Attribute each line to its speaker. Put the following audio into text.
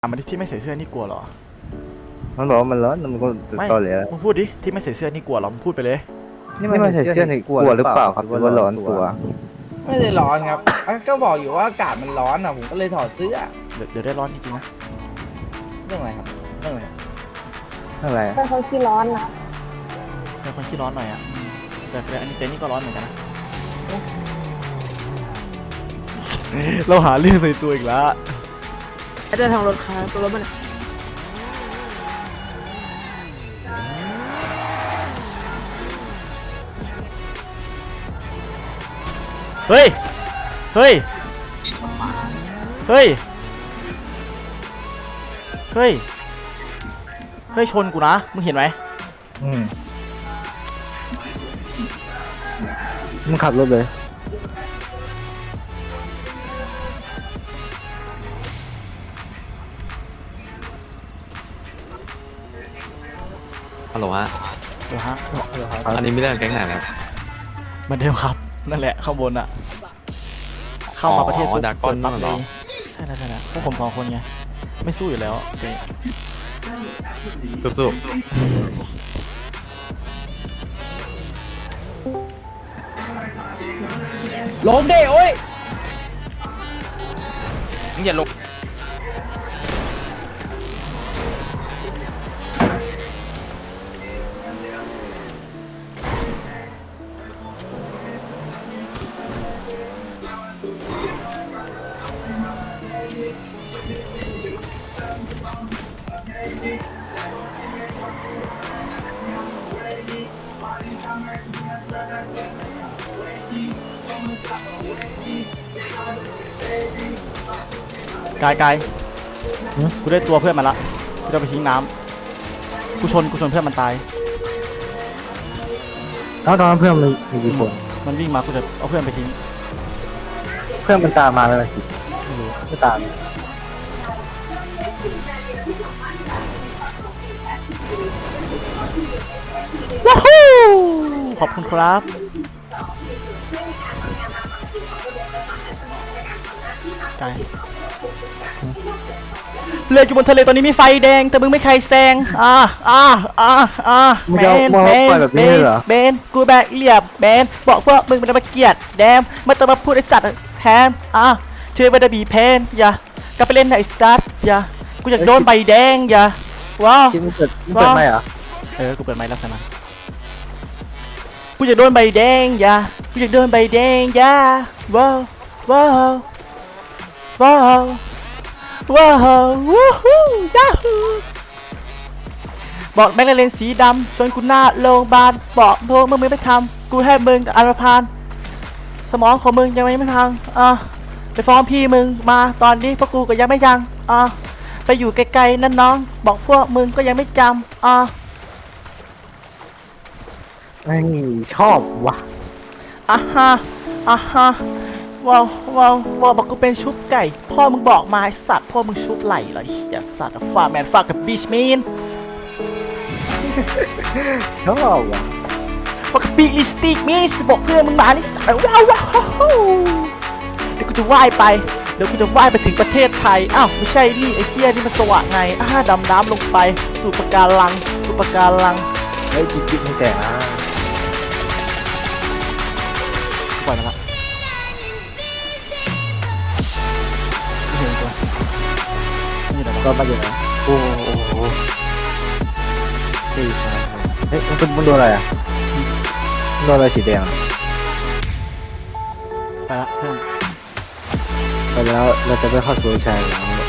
Speaker 1: มันที่ไม่ใส่เสื้อนี่กลัวเหรอ
Speaker 2: มันบอกว่ามันร้อนมันก็
Speaker 1: ไม่
Speaker 2: ตอแหล
Speaker 1: มึงพูดดิที่ไม่ใส่เสื้อนี่กลัวเหรอมึงพูดไปเลย
Speaker 2: นี่มันใส่เสื้อในกลัวหรือเปล่าครับหรือว่าร้อนตัว
Speaker 3: ไม่ได้ร้อนครับก็บอกอยู่ว่าอากาศมันร้อนอ่ะผมก็เลยถอดเสื้อ
Speaker 1: เดี๋ยวได้ร้อนจริงๆนะ
Speaker 3: เรื่องอะไรครับเรื่องอะไรครับ
Speaker 2: อะไร
Speaker 4: เป็นคนขี้ร้อนนะ
Speaker 1: เป็นคนขี้ร้อนหน่อยอ่ะแต่อันนี้เจนี่ก็ร้อนเหมือนกันนะเราหาเรื่องใส่ตัวอีกแล้ว
Speaker 4: อาจจะทางรถค้าตัวรถมัน
Speaker 1: เฮ้ยเฮ้ยเฮ้ยเฮ้ยเฮ้ยชนกูนะมึงเห็นไหม
Speaker 2: มึงขับรถเลย
Speaker 5: ฮัลโหลฮะ
Speaker 1: เหรอฮะ
Speaker 5: อันนี้ไม่เรื่องแก๊งไหนครับ
Speaker 1: เหมือนเดิมครับนั่นแหละข้างบนอ่ะเข้ามาประเทศปุ๊บ
Speaker 5: ดากอน
Speaker 1: ปั๊บ
Speaker 5: นั่น
Speaker 1: เล
Speaker 5: เหรอ
Speaker 1: ยใช่แล้วพวกผม2 คนไงไม่สู้อยู่แล้วเจ๊
Speaker 5: สู้
Speaker 3: ลงเด้โอ้ยมึงอย่าลง
Speaker 1: กายกูได้ตัวเพื่อนมาละกูจะไปทิ้งน้ำกูชนเพื่อนมันตาย
Speaker 2: แล้วตอนนั้นเพื่อนมันมีกี่คน
Speaker 1: มันวิ่งมากูจะเอาเพื่อนไปทิ้ง
Speaker 2: เพื่อนมันตามมาแล้วสิไม่ตาม
Speaker 1: ว้าวขอบคุณครับกายเรืออยู่บนทะเลตอนนี้มีไฟแดงแต่มึงไม่ใครแซง
Speaker 2: มึงจะมองปล่อยแบบนี้เหรอ
Speaker 1: เบนกูแบกเหลี่ยมเบนบอกว่ามึงเป็นมาเกียดแดมไม่ต้องมาพูดไอสัตว์แฮมช่วยไปดบีเพนอย่ากลับไปเล่นไอสัตว์อย่ากูอยากโดนใบแดงอย่าว้าว
Speaker 2: ที่มึงเปิดไหมเหรอ
Speaker 1: กูเปิดไมค์แล้วใช่ไหมกูอยากโดนใบแดงอย่ากูอยากโดนใบแดงอย่าว้าวว้าวว้าวว้าววู้ฮู้ยาฮูบอกแม่งเลนสีดำชวนกูหน้าโรงพยาบาลบอกพวกมึงไม่ทำกูให้มึงแต่อันธพาลสมองของมึงยังไม่พังไปฟ้องพี่มึงมาตอนนี้พวกกูก็ยังไม่ยังไปอยู่ไกลๆนั่นน้องบอกพวกมึงก็ยังไม่จำ
Speaker 2: ไม่ชอบว่ะ
Speaker 1: ฮะว้าวบอกกูเป็นชุบไก่พ่อมึงบอกมาไอสัตว์พ่อมึงชุบไหลเหรอเหี้ยสัตว์ฟาแมนฟากับบีชมีน
Speaker 2: ชอบว่ะ
Speaker 1: ฟากับบีลิสติกมีนกูบอกเพื่อนมึงมานี่สัตว์ว้าวเดี๋ยวกูจะว่ายไปถึงประเทศไทยอ้าวไม่ใช่นี่ไอ้เหี้ยนี่มันสว่างไงดำน้ำลงไปสู่ปะการัง
Speaker 2: ไอ้จิ๊บมึงแต่งนะ
Speaker 1: ปล่อยมันละไม่เห็นตัวนี่เดี๋ยว
Speaker 2: ก็มาอยู่นะโอ้โหเฮ้ยมันโดนอะไรอ่ะโดนอะไรสีแดง
Speaker 1: ไปละเพื่อน
Speaker 2: ไปแล้วเราจะไปเข้าสู่ชายหลัง